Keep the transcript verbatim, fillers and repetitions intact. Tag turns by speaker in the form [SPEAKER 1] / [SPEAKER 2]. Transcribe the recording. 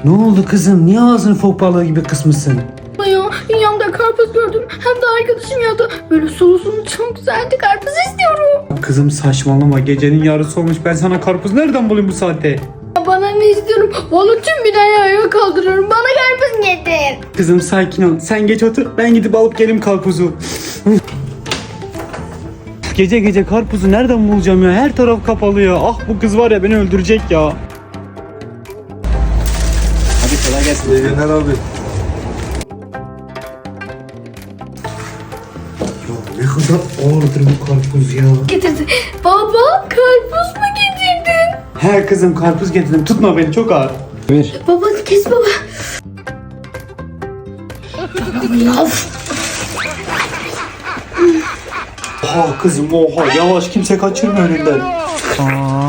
[SPEAKER 1] Ne oldu kızım? Niye ağzını fok balığı gibi kısmışsın?
[SPEAKER 2] Ya dünyamda karpuz gördüm. Hem de arkadaşım yadı. Böyle sulu sulu çok güzeldi. Karpuz istiyorum.
[SPEAKER 1] Kızım saçmalama. Gecenin yarısı olmuş. Ben sana karpuz nereden bulayım bu saatte?
[SPEAKER 2] Ya bana ne istiyorum? Valla tüm binayı ayağa kaldırıyorum. Bana karpuz getir.
[SPEAKER 1] Kızım sakin ol. Sen geç otur. Ben gidip alıp geleyim karpuzu. Gece gece karpuzu nereden bulacağım ya? Her taraf kapalı ya. Ah bu kız var ya beni öldürecek ya. Hadi kolay gelsin.
[SPEAKER 3] İyi günler abi.
[SPEAKER 1] Ne kadar ağırdır bu karpuz ya.
[SPEAKER 2] Getirdi. Baba karpuz mu getirdin?
[SPEAKER 1] He kızım karpuz getirdim. Tutma beni çok ağır. Ver.
[SPEAKER 2] Baba kes baba.
[SPEAKER 1] Oha kızım oha. Yavaş kimse kaçırma önünden. Aa,